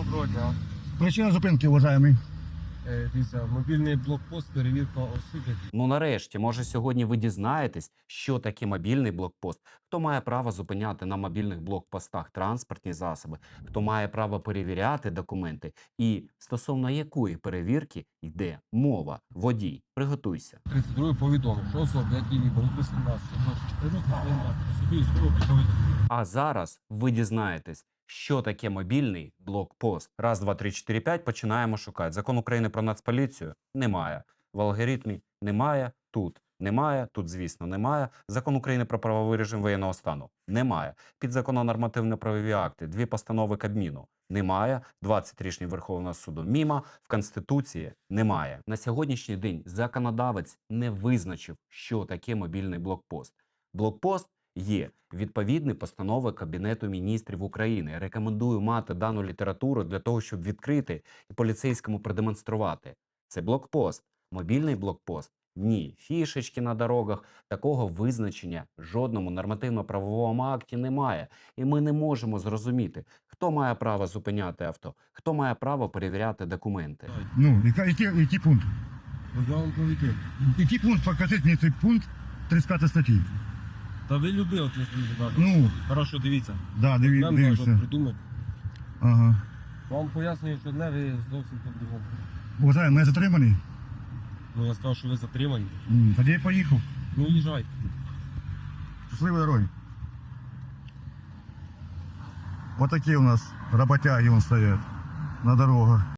Доброго дня. Причина зупинки, уважаемый. Дивіться, мобільний блокпост, перевірка осіб. Ну нарешті, може сьогодні ви дізнаєтесь, що таке мобільний блокпост, хто має право зупиняти на мобільних блокпостах транспортні засоби, хто має право перевіряти документи і стосовно якої перевірки йде мова. Водій, приготуйся. 32 повідомив, що особи, які були виписані на 24 повинні собі військово підготовити. А зараз ви дізнаєтесь, що таке мобільний блокпост. Раз, два, три, чотири, п'ять. Починаємо шукати. Закон України про Нацполіцію немає. В алгоритмі немає. Тут немає. Тут, звісно, немає. Закон України про правовий режим воєнного стану немає. Підзаконно нормативно-правові акти. 2 постанови Кабміну немає. 20 рішень Верховного суду мімо. В Конституції немає. На сьогоднішній день законодавець не визначив, що таке мобільний блокпост. Блокпост є відповідні постанови Кабінету міністрів України. Рекомендую мати дану літературу для того, щоб відкрити і поліцейському продемонструвати. Це блокпост. Мобільний блокпост. Ні. Фішечки на дорогах. Такого визначення в жодному нормативно-правовому акті немає. І ми не можемо зрозуміти, хто має право зупиняти авто, хто має право перевіряти документи. Ну, який пункт? Я вам повідомив. Який пункт? Покажіть мені цей пункт 35 статті. Та ви любили от не Ну, Хорошо, дивіться. да, Нам кажуть, дивіться. придумати. Ага. Вам пояснюю, що одне, ви зовсім по-другому. Уважаемый, мене затриманий? Ну, я сказав, що ви затримані. Тоді я поїхав. Ну, їжджайте. Щасливої дороги. Вот такие у нас работяги вон стоят на дорогах.